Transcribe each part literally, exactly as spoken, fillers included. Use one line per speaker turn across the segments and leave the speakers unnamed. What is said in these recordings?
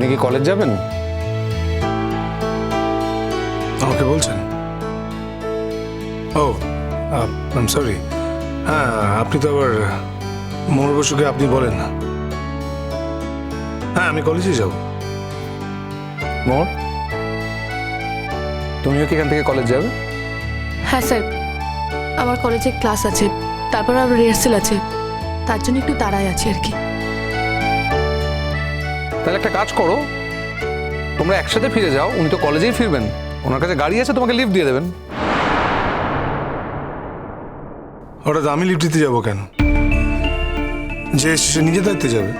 কি কলেজ যাবেন?
আমাকে বলছেন? Oh I am sorry. হ্যাঁ, আপনি তো আবার মোর বসুকে আপনি বলেন না। হ্যাঁ, আমি কলেজে যাব।
মোর, তুমিও কি এখান থেকে কলেজ যাবে?
হ্যাঁ স্যার, আমার কলেজে ক্লাস আছে, তারপর আবার রিহার্সেল আছে, তার জন্য একটু তাড়ায় আছে আর কি।
তাহলে একটা কাজ করো, তোমরা একসাথে ফিরে যাও। উনি তো কলেজেই ফিরবেন, ওনার কাছে গাড়ি আছে, তোমাকে লিফট দিয়ে দেবেন।
হঠাৎ আমি লিফট দিতে যাবো কেন? যে সে নিজে দায়িত্বে যাবে।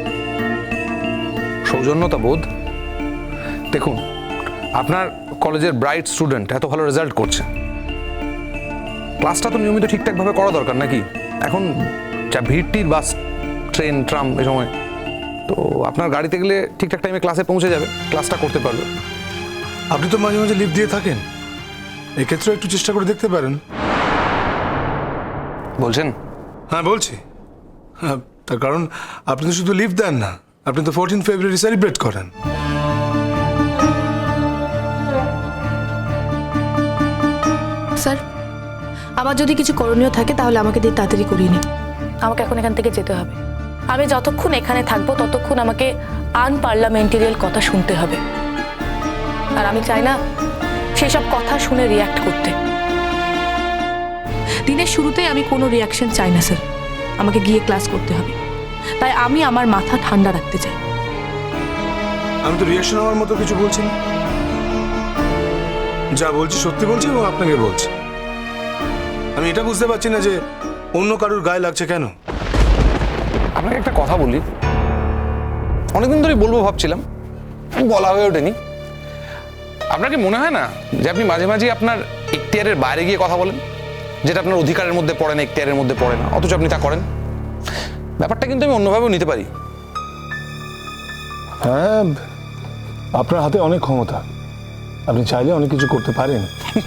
সৌজন্যতা বোধ। দেখুন, আপনার কলেজের ব্রাইট স্টুডেন্ট এত ভালো রেজাল্ট করছে, ক্লাসটা তো নিয়মিত ঠিকঠাকভাবে করা দরকার নাকি? এখন যা ভিড়টির বাস, ট্রেন, ট্রাম এ সময়, তো আপনার গাড়িতে গেলে ঠিকঠাক টাইমে ক্লাসে পৌঁছে যাবে, ক্লাসটা করতে পারবে।
আপনি তো মাঝে মাঝে লিফট দিয়ে থাকেন, এক্ষেত্রে একটু চেষ্টা করে দেখতে পারেন।
বলছেন?
হ্যাঁ বলছি। হ্যাঁ, তার কারণ আপনি তো শুধু লিফট দেন না, আপনি তো ফোরটিন ফেব্রুয়ারি সেলিব্রেট করেন।
স্যার, আমার যদি কিছু করণীয় থাকে তাহলে আমাকে দিয়ে তাড়াতাড়ি করিয়ে নিন। আমাকে এখন এখান থেকে যেতে হবে। আমি যতক্ষণ এখানে থাকবো ততক্ষণ আমাকে আনপার্লামেন্টারিয়াল কথা শুনতে হবে, আর আমি চাই না সেসব কথা শুনে রিয়াক্ট করতে। দিনের শুরুতেই আমি কোনো রিয়াকশন চাই না স্যার, আমাকে গিয়ে ক্লাস করতে হবে। তাই আমি আমার মাথা ঠান্ডা রাখতে চাই।
আমি তো রিয়াকশন হওয়ার মতো কিছু বলছি না, যা বলছি সত্যি বলছি এবং আপনাকে বলছি। আমি এটা বুঝতে পারছি না যে অন্য কারুর গায়ে লাগছে কেন।
আপনাকে একটা কথা বলি, অনেকদিন ধরেই বলবো ভাবছিলাম, বলা হয়ে ওঠেনি। আপনার কি মনে হয় না যে আপনি মাঝে মাঝে আপনার এখতিয়ারের বাইরে গিয়ে কথা বলেন, যেটা আপনার অধিকারের মধ্যে পড়ে না, এখতিয়ারের মধ্যে পড়ে না, অথচ আপনি তা করেন? ব্যাপারটা কিন্তু আমি অন্যভাবেও নিতে পারি।
হ্যাঁ, আপনার হাতে অনেক ক্ষমতা, আপনি চাইলে অনেক কিছু করতে পারেন।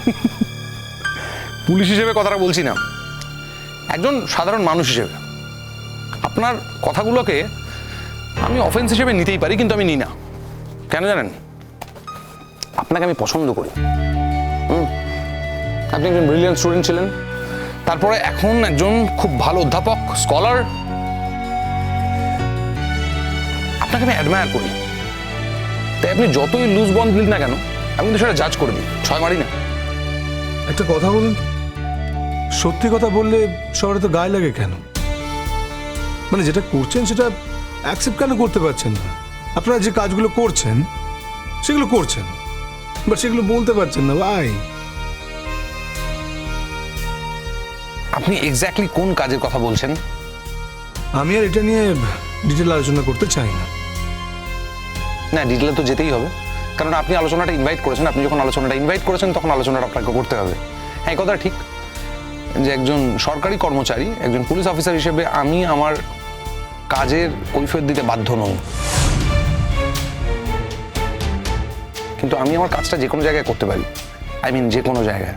পুলিশ হিসেবে কথাটা বলছি না, একজন সাধারণ মানুষ হিসেবে আপনার কথাগুলোকে আমি অফেন্স হিসেবে নিতেই পারি, কিন্তু আমি নিই না। কেন জানেন? আপনাকে আমি পছন্দ করি। হুম, আপনি একজন ব্রিলিয়ান্ট স্টুডেন্ট ছিলেন, তারপরে এখন একজন খুব ভালো অধ্যাপক, স্কলার। আপনাকে আমি অ্যাডমায়ার করি, তাই আপনি যতই লুজ বন্ধ দিন না কেন, আমি কিন্তু সেটা জাজ করে দিই, ছয় মারি না।
একটা কথা বলুন, সত্যি কথা বললে সবার তো গায়ে লাগে কেন? মানে যেটা করছেন সেটা অ্যাকসেপ্ট কেন করতে পারছেন না? আপনারা যে কাজগুলো করছেন সেগুলো করছেন, বাট সেগুলো বলতে পারছেন না। ভাই,
আপনি এক্স্যাক্টলি কোন কাজের কথা বলছেন?
আমি আর এটা নিয়ে ডিটেল আলোচনা করতে চাই না।
না, ডিটেলে তো যেতেই হবে, কারণ আপনি আলোচনাটা ইনভাইট করেছেন। আপনি যখন আলোচনাটা ইনভাইট করেছেন তখন আলোচনাটা আপনাকে করতে হবে। হ্যাঁ, এই কথা ঠিক যে একজন সরকারি কর্মচারী, একজন পুলিশ অফিসার হিসেবে আমি আমার কাজের কৈফিয়ত দিতে বাধ্য নই, কিন্তু আমি আমার কাজটা যে কোনো জায়গায় করতে পারি। আই মিন যে কোনো জায়গায়।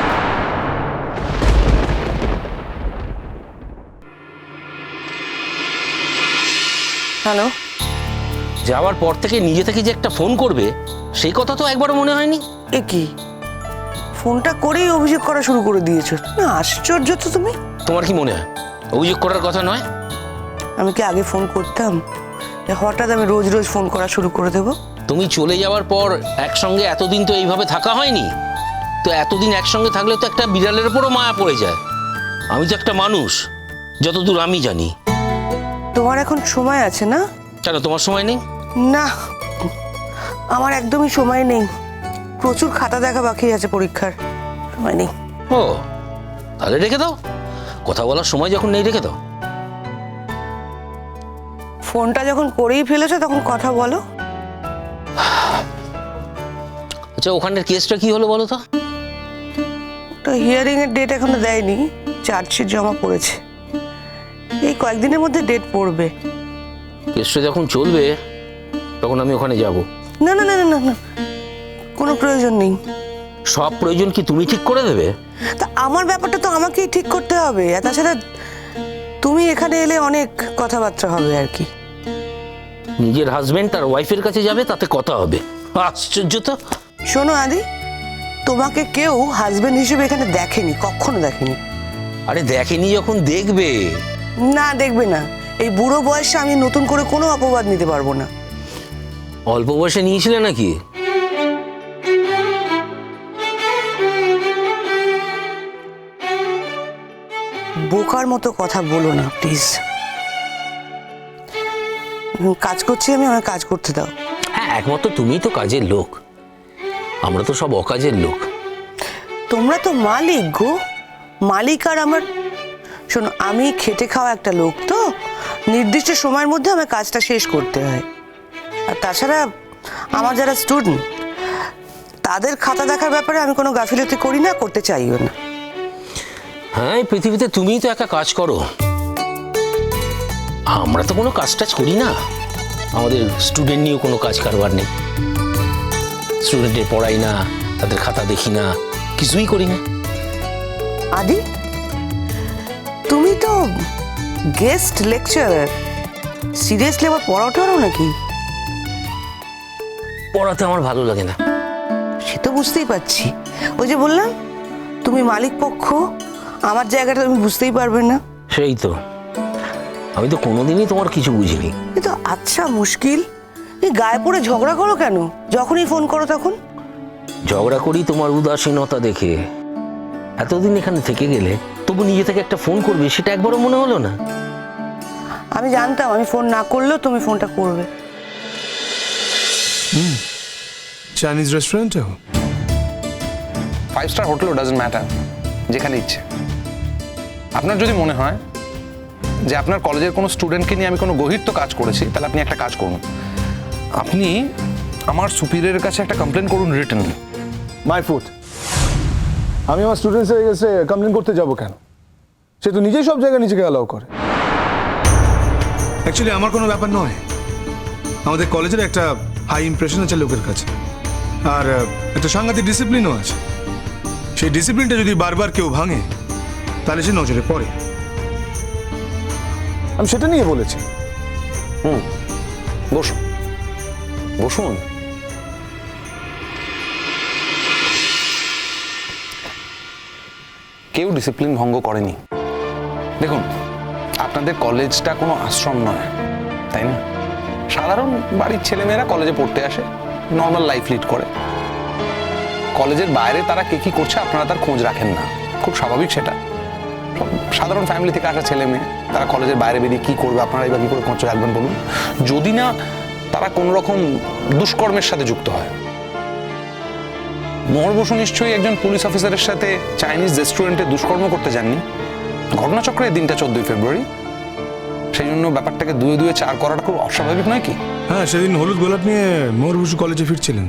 হ্যালো। যাওয়ার পর থেকে নিজে থেকে যে একটা ফোন করবে সেই কথা তো একবারও মনে হয়নি।
এ কি, ফোনটা করেই অভিযোগ করা শুরু করে দিয়েছো? না, আশ্চর্য তো তুমি।
তোমার কি মনে হয় অভিযোগ করার কথা নয়?
আমি কি আগে ফোন করতাম যে হঠাৎ আমি রোজ রোজ ফোন করা শুরু করে দেবো?
তুমি চলে যাওয়ার পর একসঙ্গে এতদিন তো এইভাবে থাকা হয়নি, তো এতদিন একসঙ্গে থাকলে তো একটা বিড়ালের উপরও মায়া পড়ে যায়। আমি তো একটা মানুষ, যতদূর আমি জানি।
তোমার এখন সময় আছে না?
কেন তোমার সময় নেই?
না, আমার একদমই সময় নেই, প্রচুর খাতা দেখা বাকি আছে, পরীক্ষার সময় নেই।
ও, তাহলে রেখে দাও, কথা বলার সময় যখন নেই রেখে দাও।
ফোনটা যখন করেই ফেলেছো তখন কথা বলো।
আচ্ছা, ওখানের কেসটা কি হলো বলো তো?
তো হিয়ারিং এর ডেট এখনো দেয়নি, চার্জশিট জমা পড়েছে, এই কয়েকদিনের মধ্যে ডেট পড়বে।
কেসটা যখন চলবে তখন আমি ওখানে যাব।
না না না না না, কোনো প্রয়োজন নেই।
সব প্রয়োজন কি তুমি ঠিক করে দেবে?
তা আমার ব্যাপারটা তো আমাকেই ঠিক করতে হবে, আর তাছাড়া তুমি এখানে এলে অনেক কথাবার্তা হবে আর কি।
নিজের হাজবেন্ড তার ওয়াইফের কাছে যাবে, তাতে কথা হবে। আশ্চর্য তো।
শোনো আদি, তোমাকে কেউ হাজবেন্ড হিসেবে এখানে দেখেনি, কখনো দেখেনি।
আরে দেখেনি যখন দেখবে।
না, দেখবে না। এই বুড়ো বয়সে আমি নতুন করে কোনো অপবাদ নিতে পারবো না।
অল্প বয়সে নিয়েছিলে নাকি?
বোকার মতো কথা বলো না প্লিজ। কাজ করছি আমি, আমার কাজ করতে দাও।
হ্যাঁ, একমাত্র তুমিই তো কাজের লোক, আমরা তো সব অকাজের লোক।
তোমরা তো মালিক গো, মালিক আর আমার। শোনো, আমি খেটে খাওয়া একটা লোক, তো নির্দিষ্ট সময়ের মধ্যে আমার কাজটা শেষ করতে হয়। আর তাছাড়া আমার যারা স্টুডেন্ট, তাদের খাতা দেখার ব্যাপারে আমি কোনো গাফিলতি করি না, করতে চাইও না।
হ্যাঁ, এই পৃথিবীতে তুমিই তো একা কাজ করো, আমরা তো কোনো কাজ টাজ করি না। আমাদের স্টুডেন্ট নিয়েও কোনো কাজ কারবার নেই, স্টুডেন্টের পড়াই না, তাদের খাতা দেখি না, কিছুই করি না।
আদি, তুমি তো গেস্ট লেকচারার, সিরিয়াসলি আবার পড়াও টড়াও নাকি?
পড়াতে আমার ভালো লাগে না।
সে তো বুঝতেই পারছি, ওই যে বললাম তুমি মালিক পক্ষ, আমার জায়গাটা তুমি বুঝতেই পারবে না।
সেই তো, আমি তো কোনোদিনই তোমার কিছু বুঝিনি।
কিন্তু আচ্ছা মুশকিল, এই গায়ে পড়ে ঝগড়া করো কেন যখনই ফোন করো তখন?
ঝগড়া করি তোমার উদাসীনতা দেখে। এতদিন এখানে থেকে গেলে তবু নিজে থেকে একটা ফোন করবে, সেটা একবারও মনে হলো না?
আমি জানতাম আমি ফোন না করলেও তুমি ফোনটা করবে।
চাইনিজ রেস্টুরেন্টেও?
ফাইভ স্টার হোটেলও ডাজন্ট ম্যাটার, যেখানে ইচ্ছে। আপনার যদি মনে হয় যে আপনার কলেজের কোনো স্টুডেন্টকে নিয়ে আমি কোনো গহীর তো কাজ করেছি, তাহলে আপনি একটা কাজ করুন, আপনি আমার সুপিরিয়রের কাছে একটা কমপ্লেন করুন রিটেন।
My foot. আমি আমার স্টুডেন্টসের কাছে কমপ্লেন করতে যাব কেন? সে তো নিজেই সব জায়গায় নিজেকে অ্যালাউ করে। অ্যাকচুয়ালি আমার কোনো ব্যাপার নয়, আমাদের কলেজের একটা হাই ইমপ্রেশন আছে লোকের কাছে, আর একটা সাংঘাতিক ডিসিপ্লিনও আছে। সেই ডিসিপ্লিনটা যদি বারবার কেউ ভাঙে, তাহলে সে নজরে পড়ে। আমি সেটা নিয়ে বলেছি।
হুম, বসুন বসুন। কেউ ডিসিপ্লিন ভঙ্গ করেনি। দেখুন, আপনাদের কলেজটা কোনো আশ্রম নয়, তাই না? সাধারণ বাড়ির ছেলেমেয়েরা কলেজে পড়তে আসে, নর্মাল লাইফ লিড করে। কলেজের বাইরে তারা কে কি করছে আপনারা তার খোঁজ রাখেন না, খুব স্বাভাবিক সেটা। সাধারণ ফ্যামিলি থেকে আসা ছেলে মেয়ে, তারা কলেজের বাইরে বেরিয়ে কি করবে আপনারা এবার কি করে খোঁজ রাখবেন বলুন? যদি না তারা কোনো রকম দুষ্কর্মের সাথে যুক্ত হয়। মোহর বসু নিশ্চয়ই একজন পুলিশ অফিসারের সাথে চাইনিজ রেস্টুরেন্টে দুষ্কর্ম করতে যাননি। ঘটনাচক্রে এই দিনটা চোদ্দই ফেব্রুয়ারি, সেই জন্য ব্যাপারটাকে দুয়ে দুয়ে চার করাটা খুব অস্বাভাবিক নয় কি?
হ্যাঁ, সেদিন হলুদ গোলাপ নিয়ে মোহর বসু কলেজে ফিরছিলেন।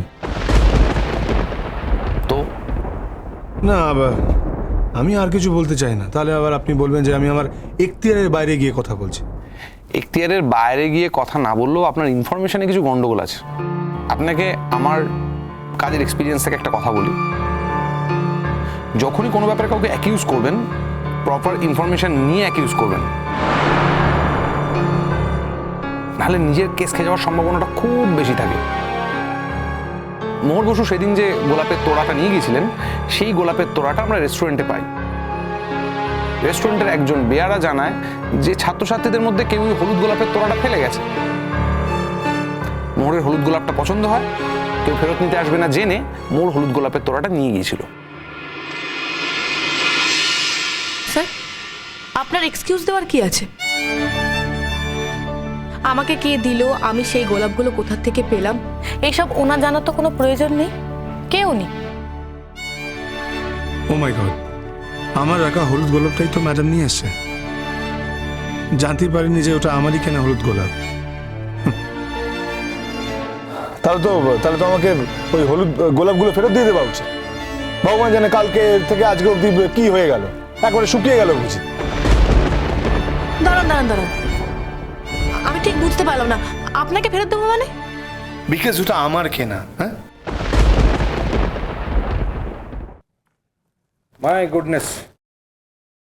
তো
না, আবার আমি আর কিছু বলতে চাই না, তাহলে আবার আপনি বলবেন যে আমি আমার এখতিয়ারের বাইরে গিয়ে কথা বলছি।
এখতিয়ারের বাইরে গিয়ে কথা না বললেও আপনার ইনফরমেশনে কিছু গন্ডগোল আছে। আপনাকে আমার কাজের এক্সপিরিয়েন্স থেকে একটা কথা বলি, যখনই কোনো ব্যাপারে কাউকে অ্যাকিউজ করবেন, প্রপার ইনফরমেশন নিয়ে অ্যাকিউজ করবেন, নাহলে নিজের কেস খেয়ে যাওয়ার সম্ভাবনাটা খুব বেশি থাকে। মোহর বসু সেদিন যে গোলাপের তোড়াটা নিয়ে গিয়েছিলেন, সেই গোলাপের তোড়াটা আমরা রেস্টুরেন্টে পাই। রেস্টুরেন্টের একজন বেয়ারা জানায় যে ছাত্রছাত্রীদের মধ্যে কেউ হলুদ গোলাপের তোড়াটা ফেলে গেছে। মোহরের হলুদ গোলাপটা পছন্দ হয়, কেউ ফেরত নিতে আসবে না জেনে মোর হলুদ গোলাপের তোড়াটা নিয়ে গিয়েছিল।
স্যার, আপনার এক্সকিউজ দেওয়ার কি আছে? আমাকে কে দিল, আমি সেই গোলাপগুলো কোথা থেকে পেলাম, এইসব ওনার জানার তো কোনো প্রয়োজন নেই, কেউ নেই।
ও মাই গড, আমার রাখা হলুদ গোলাপটাই তো ম্যাডাম নিয়ে এসছে। জানতেই পারিনি যে ওটা আমারই কেনা হলুদ গোলাপ। তাহলে তো তাহলে তো আমাকে ওই হলুদ গোলাপগুলো ফেরত দিয়ে দেওয়া উচিত। ভগবান জানে কালকে থেকে আজকে অব্দি কি হয়ে গেল, একবারে শুকিয়ে গেল বুঝি।
দাঁড়ান দাঁড়ান দাঁড়ান, আমি ঠিক বুঝতে পারলাম না, আপনাকে ফেরত দেবো মানে?
বিকজ ওটা আমার কেনা। হ্যাঁ, মাই গুডনেস।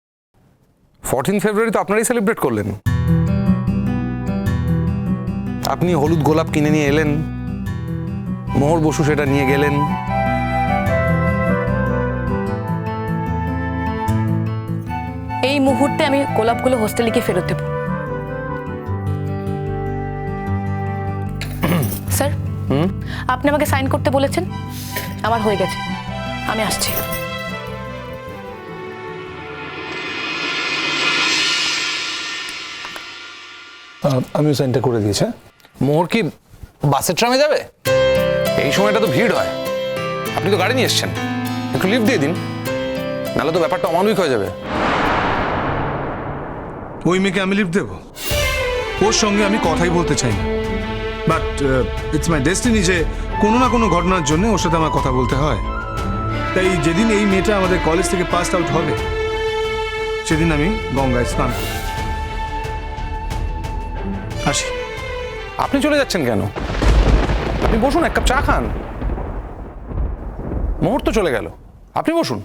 ফোরটিন ফেব্রুয়ারি তো আপনারাই সেলিব্রেট করলেন, আপনি হলুদ গোলাপ কিনে নিয়ে এলেন, মোহর বসু সেটা নিয়ে গেলেন।
এই মুহূর্তে আমি গোলাপগুলো হোস্টেলে গিয়ে ফেরত দেবো। স্যার, আপনি আমাকে সাইন করতে বলেছেন, আমার হয়ে গেছে, আমি আসছি।
আমি সাইনটা করে দিয়েছি।
মোহর কি বাসের ট্রামে যাবে? এই সময়টা তো ভিড় হয়, আপনি তো গাড়ি নিয়ে এসছেন, একটু লিফট দিয়ে দিন, নাহলে তো ব্যাপারটা অমানবিক হয়ে যাবে।
ওই মেয়েকে আমি লিফট দেবো? ওর সঙ্গে আমি কথাই বলতে চাই না, বাট ইটস মাই ডেস্টিনি যে কোনো না কোনো ঘটনার জন্য ওর সাথে আমার কথা বলতে হয়। তাই যেদিন এই মেয়েটা আমাদের কলেজ থেকে পাস আউট হবে সেদিন আমি গঙ্গায় স্নান করব। আসি।
আপনি চলে যাচ্ছেন কেন? আপনি বসুন, এক কাপ চা খান। মুহূর্ত চলে গেল, আপনি বসুন।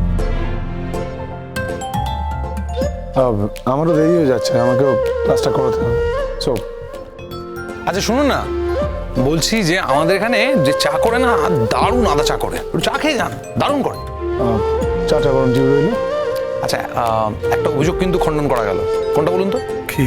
আমারও দেরি হয়ে যাচ্ছে, আমাকেও ক্লাসটা করাতে হবে। সো
আচ্ছা শুনুন না, বলছি যে আমাদের এখানে যে চা করে না, দারুণ আদা চা করে, একটু চা খেয়ে যান, দারুণ করে।
চাটা গরম জিও রইল।
আচ্ছা, আহ, একটা অভিযোগ কিন্তু খণ্ডন করা গেল। কোনটা বলুন তো?
কি?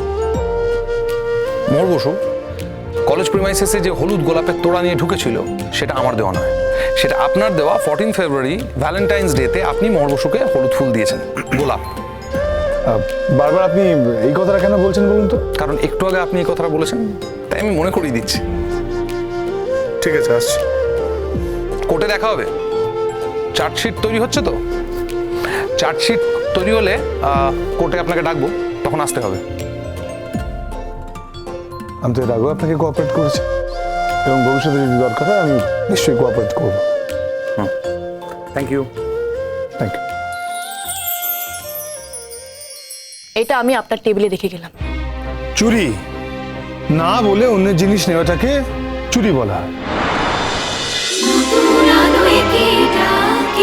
মোহর বসু কলেজ প্রিমাইসেসে যে হলুদ গোলাপের তোড়া নিয়ে ঢুকেছিল, সেটা আমার দেওয়া নয়, সেটা আপনার দেওয়া ফোরটিন ফেব্রুয়ারি ভ্যালেন্টাইন্স ডেতে আপনি মোহর বসুকে হলুদ ফুল দিয়েছেন, গোলাপ।
বারবার আপনি এই কথাটা কেন বলছেন বলুন তো?
কারণ একটু আগে আপনি এই কথাটা বলেছেন, তাই আমি মনে করিয়ে দিচ্ছি।
ঠিক আছে, আসছি।
কোর্টে দেখা হবে। চার্জশিট তৈরি হচ্ছে তো, চার্জশিট তৈরি হলে কোর্টে আপনাকে ডাকবো, তখন আসতে হবে।
আমি তো এর আগেও আপনাকে কোঅপারেট করেছি এবং ভবিষ্যতে যদি দরকার হয় আমি নিশ্চয়ই কোঅপারেট করবো।
হুম, থ্যাংক ইউ।
Thank you.
এটা আমি আপনার টেবিলে রেখে গেলাম।
চুরি না বলে অন্যের জিনিস নেওয়াটাকে চুরি বলা হয়।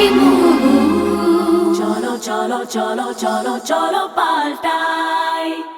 চলো চলো চলো চলো চলো পাল্টাই।